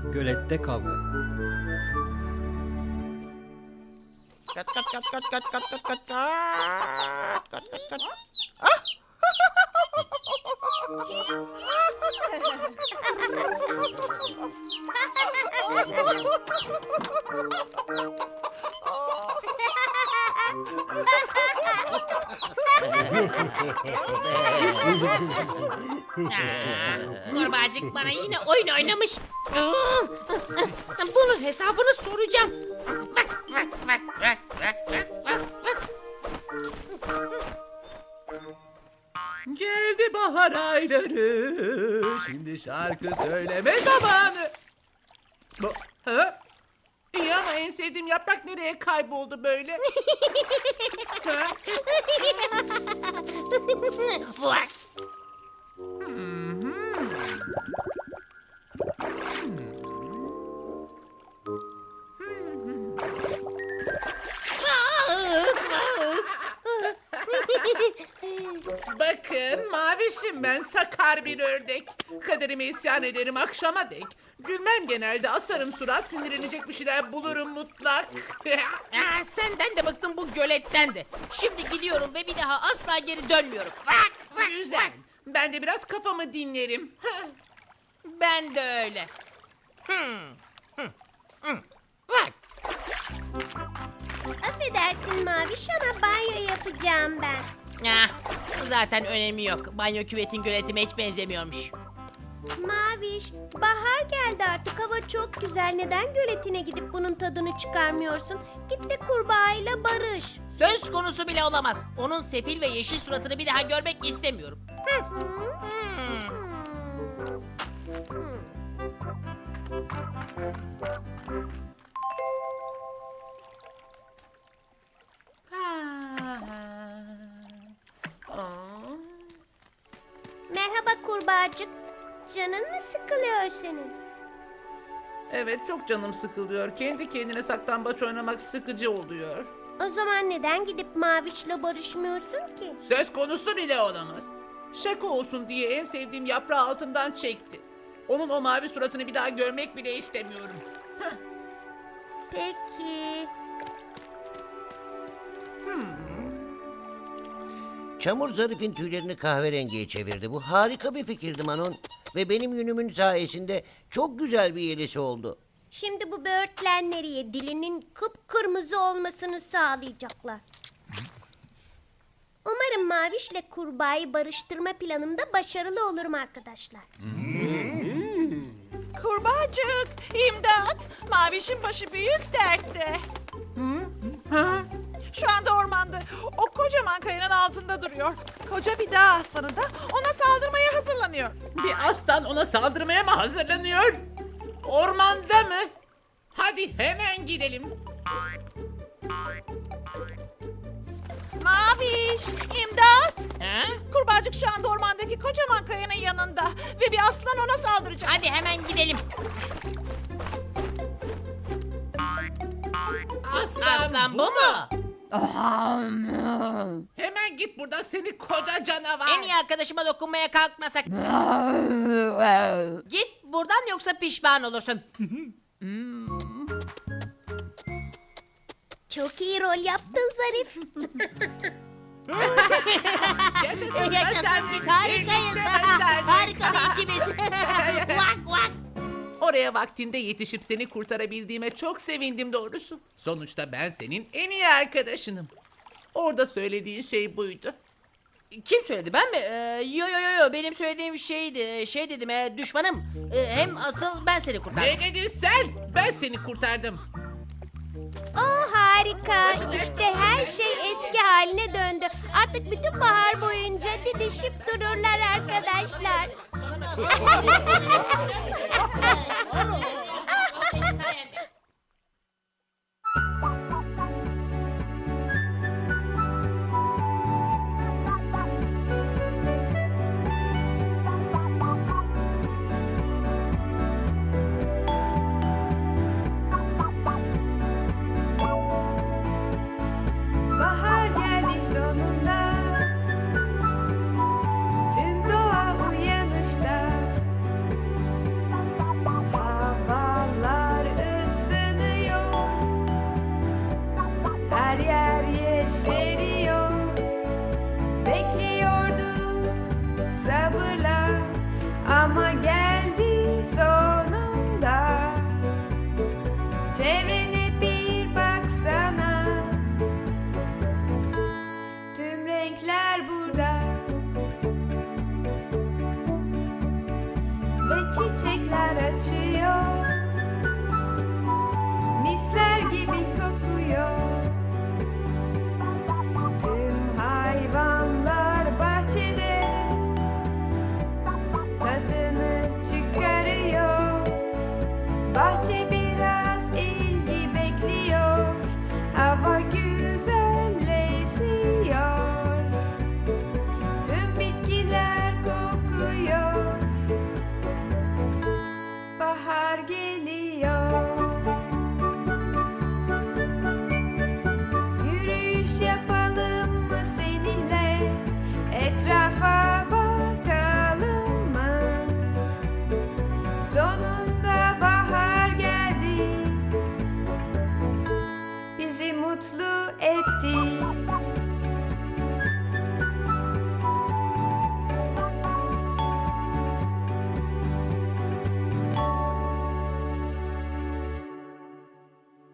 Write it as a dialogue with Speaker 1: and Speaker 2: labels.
Speaker 1: Gölette kavga.
Speaker 2: Kat kat kat kat kat kat kat kat kat kat kat.
Speaker 3: Kurbağacık bana yine oyun oynamış. Bunun hesabını soracağım.
Speaker 4: Geldi bahar ayları, şimdi şarkı söyleme zamanı. Ha? İyi ama en sevdiğim yaprak nereye kayboldu böyle? Ha?
Speaker 3: Vak.
Speaker 4: Bakın mavişim ben, sakar bir ördek. Kaderime isyan ederim akşama dek. Gülmem genelde, asarım surat, sinirlenecek bir şeyler bulurum mutlak.
Speaker 3: Senden de bıktım, bu göletten de. Şimdi gidiyorum ve bir daha asla geri dönmüyorum. Vak, vak,
Speaker 4: Güzel.
Speaker 3: vak.
Speaker 4: Ben de biraz kafamı dinlerim.
Speaker 3: Ben de öyle. Vak.
Speaker 5: Affedersin Maviş ama banyo yapacağım ben.
Speaker 3: Zaten önemi yok. Banyo küvetin göletime hiç benzemiyormuş.
Speaker 5: Maviş, bahar geldi artık, hava çok güzel. Neden göletine gidip bunun tadını çıkarmıyorsun? Git de kurbağayla barış.
Speaker 3: Söz konusu bile olamaz. Onun sefil ve yeşil suratını bir daha görmek istemiyorum.
Speaker 5: Merhaba kurbağacık. Canın mı sıkılıyor senin?
Speaker 4: Evet, çok canım sıkılıyor. Kendi kendine saklambaç oynamak sıkıcı oluyor.
Speaker 5: O zaman neden gidip Maviş'le barışmıyorsun ki?
Speaker 4: Söz konusu bile olamaz. Şaka olsun diye en sevdiğim yaprağı altımdan çekti. Onun o mavi suratını bir daha görmek bile istemiyorum.
Speaker 5: Peki.
Speaker 6: Çamur Zarif'in tüylerini kahverengiye çevirdi. Bu harika bir fikirdi Manon. Ve benim yünümün sayesinde çok güzel bir yelisi oldu.
Speaker 5: Şimdi bu böğürtlenleri ye, dilinin kıpkırmızı olmasını sağlayacaklar. Umarım Maviş'le kurbağayı barıştırma planımda başarılı olurum arkadaşlar.
Speaker 7: Kurbağacık, imdat! Maviş'in başı büyük dertte. Şu anda ormanda. O kocaman kayanın altında duruyor. Koca bir dağ aslanı da ona saldırmaya hazırlanıyor.
Speaker 4: Bir aslan ona saldırmaya mı hazırlanıyor? Ormanda mı? Hadi hemen gidelim.
Speaker 7: Maviş, imdat!
Speaker 3: Ha?
Speaker 7: Kurbağacık şu anda ormandaki kocaman kayanın yanında. Ve bir aslan ona saldıracak.
Speaker 3: Hadi hemen gidelim. Aslan bu mu?
Speaker 4: Hemen git buradan seni koca canavar.
Speaker 3: En iyi arkadaşıma dokunmaya kalkmasak. Git buradan yoksa pişman olursun.
Speaker 5: Çok iyi rol yaptın Zarif.
Speaker 3: Yaşasın, biz harikayız. Harika bir ikimiz. Vak vak.
Speaker 4: Oraya vaktinde yetişip seni kurtarabildiğime çok sevindim doğrusu. Sonuçta ben senin en iyi arkadaşınım. Orada söylediğin şey buydu.
Speaker 3: Kim söyledi, ben mi? Yo benim söylediğim şeydi. Şey dedim, düşmanım. Hem asıl ben seni kurtardım.
Speaker 4: Ne dedin sen? Ben seni kurtardım.
Speaker 5: Oh harika. İşte her şey eski haline döndü. Artık bütün bahar boyunca didişip dururlar arkadaşlar.
Speaker 8: Bahar geldi sonunda, tüm doğa uyanışta. bahar geliyor.